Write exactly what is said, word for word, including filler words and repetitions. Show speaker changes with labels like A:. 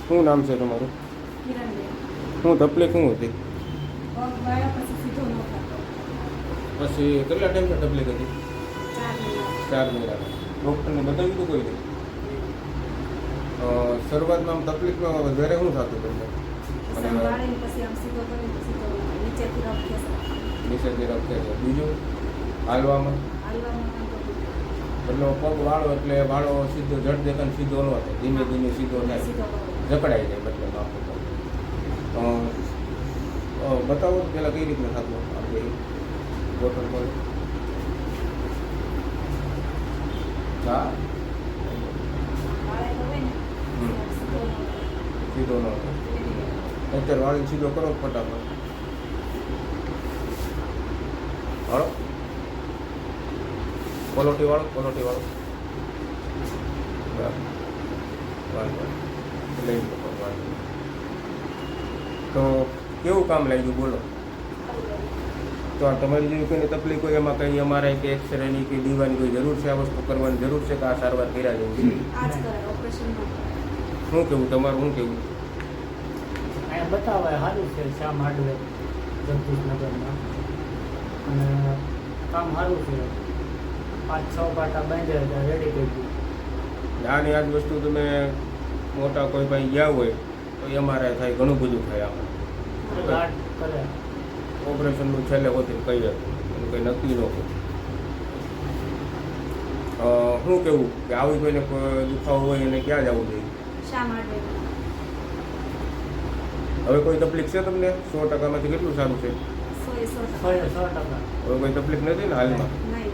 A: શું નામ છે તમારું? શું તકલીફ શું હતી? પછી કેટલા ટાઈમથી તકલીફ હતી? ચાર મહિના. ડૉક્ટરને બતાવ્યું હતું કોઈ નહીં? શરૂઆતમાં આમ તકલીફમાં વધારે શું થતું તમને? નીચેથી રફ છે. બીજું હાલવામાં એટલે પગ વાળો એટલે વાળો સીધો જડ દેખાને સીધો ન થાય, ધીમે ધીમે સીધો થાય, જકડાઈ જાય. મતલબ આખું બતાવો પહેલાં કઈ રીતના થતું આપણે બોટલ પર? હા, સીધો ન થાય. અત્યારે વાળી સીધો કરો ફટાફટ. હાલો, પલોટી વાળો પલોટી વાળો તો કેવું કામ લાગ્યું બોલો? તો આ તમારી જેવી કોઈને તકલીફ હોય એમાં કંઈ અમારે કે એક્સરેની કે દીવાની કોઈ જરૂર છે? આ વસ્તુ કરવાની જરૂર છે કે આ સારવાર કર્યા જેવું છે? શું કેવું તમારું? શું કેવું?
B: અહીંયા બતાવાય સારું છે શ્યામ હાર્ડવેર જગદીશનગરમાં, અને કામ સારું છે. પાંચ છ પાટા બાંધ્યા હતા, રેડી કરી દીધું.
A: આની આ જ વસ્તુ તમે મોટા કોઈ ભાઈ ગયા હોય તો એમઆરઆઈ થાય, ઘણું બધું થાય. આપણે
B: ગાંઠ કરે
A: ઓપરેશનનું છેલ્લે હોતી કહીએ એનું કંઈ નક્કી ન હોય. શું કેવું કે આવી કોઈને દુખાવો હોય એને ક્યાં જવું જોઈએ? હવે કોઈ તકલીફ છે તમને? સો ટકામાંથી કેટલું સારું છે?
B: સો સો ટકા.
A: હવે કોઈ તકલીફ નથી ને હાલમાં?